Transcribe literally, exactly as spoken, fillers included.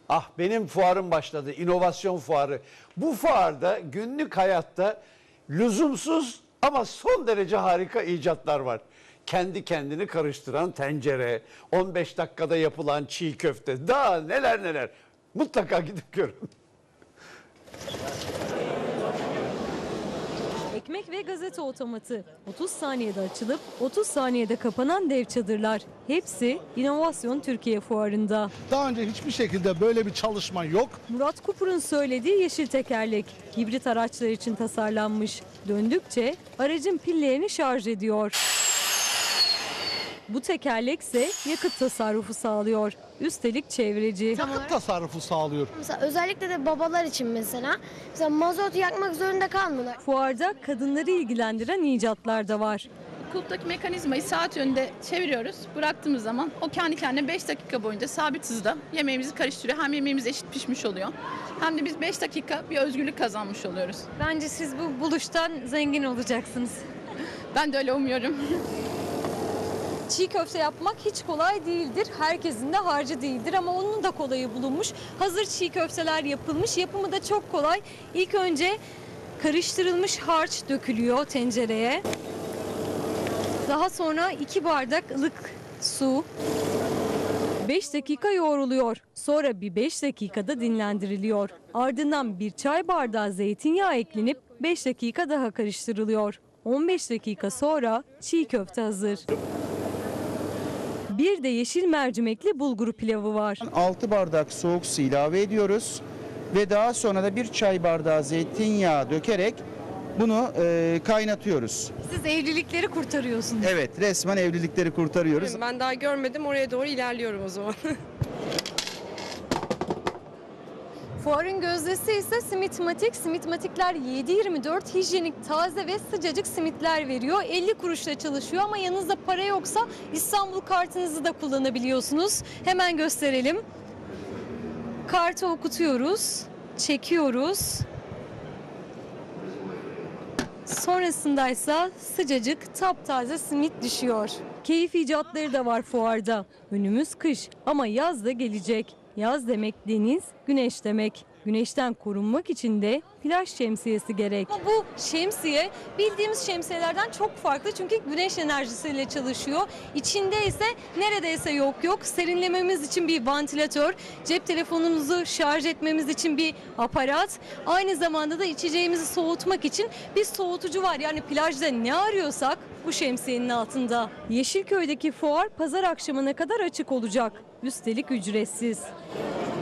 Ah, benim fuarım başladı, inovasyon fuarı. Bu fuarda günlük hayatta lüzumsuz ama son derece harika icatlar var. Kendi kendini karıştıran tencere, on beş dakikada yapılan çiğ köfte, daha neler neler. Mutlaka gidip görün. Ekmek ve gazete otomatı. otuz saniyede açılıp otuz saniyede kapanan dev çadırlar. Hepsi İnovasyon Türkiye Fuarı'nda. Daha önce hiçbir şekilde böyle bir çalışma yok. Murat Kupur'un söylediği yeşil tekerlek. Hibrit araçlar için tasarlanmış. Döndükçe aracın pillerini şarj ediyor. Bu tekerlek ise yakıt tasarrufu sağlıyor. Üstelik çevreci. Yakıt tasarrufu sağlıyor. Mesela özellikle de babalar için mesela. Mesela mazot yakmak zorunda kalmıyorlar. Fuarda kadınları ilgilendiren icatlar da var. Kulptaki mekanizmayı saat yönünde çeviriyoruz. Bıraktığımız zaman o kendi kendine beş dakika boyunca sabit hızda yemeğimizi karıştırıyor. Hem yemeğimiz eşit pişmiş oluyor. Hem de biz beş dakika bir özgürlük kazanmış oluyoruz. Bence siz bu buluştan zengin olacaksınız. Ben de öyle umuyorum. Çiğ köfte yapmak hiç kolay değildir. Herkesin de harcı değildir ama onun da kolayı bulunmuş. Hazır çiğ köfteler yapılmış. Yapımı da çok kolay. İlk önce karıştırılmış harç dökülüyor tencereye. Daha sonra iki bardak ılık su. beş dakika yoğruluyor. Sonra bir beş dakikada dinlendiriliyor. Ardından bir çay bardağı zeytinyağı eklenip beş dakika daha karıştırılıyor. on beş dakika sonra çiğ köfte hazır. Bir de yeşil mercimekli bulgur pilavı var. altı bardak soğuk su ilave ediyoruz ve daha sonra da bir çay bardağı zeytinyağı dökerek bunu e, kaynatıyoruz. Siz evlilikleri kurtarıyorsunuz. Evet, resmen evlilikleri kurtarıyoruz. Ben daha görmedim, oraya doğru ilerliyorum o zaman. Fuarın gözdesi ise Simitmatik. Simitmatikler yedi yirmi dört hijyenik, taze ve sıcacık simitler veriyor. elli kuruşla çalışıyor ama yanınızda para yoksa İstanbul kartınızı da kullanabiliyorsunuz. Hemen gösterelim. Kartı okutuyoruz, çekiyoruz. Sonrasındaysa sıcacık taptaze simit düşüyor. Keyif icatları da var fuarda. Önümüz kış ama yaz da gelecek. Yaz demek deniz, güneş demek. Güneşten korunmak için de plaj şemsiyesi gerek. Ama bu şemsiye bildiğimiz şemsiyelerden çok farklı çünkü güneş enerjisiyle çalışıyor. İçinde ise neredeyse yok yok. Serinlememiz için bir vantilatör, cep telefonumuzu şarj etmemiz için bir aparat. Aynı zamanda da içeceğimizi soğutmak için bir soğutucu var. Yani plajda ne arıyorsak bu şemsiyenin altında. Yeşilköy'deki fuar pazar akşamına kadar açık olacak. Üstelik ücretsiz.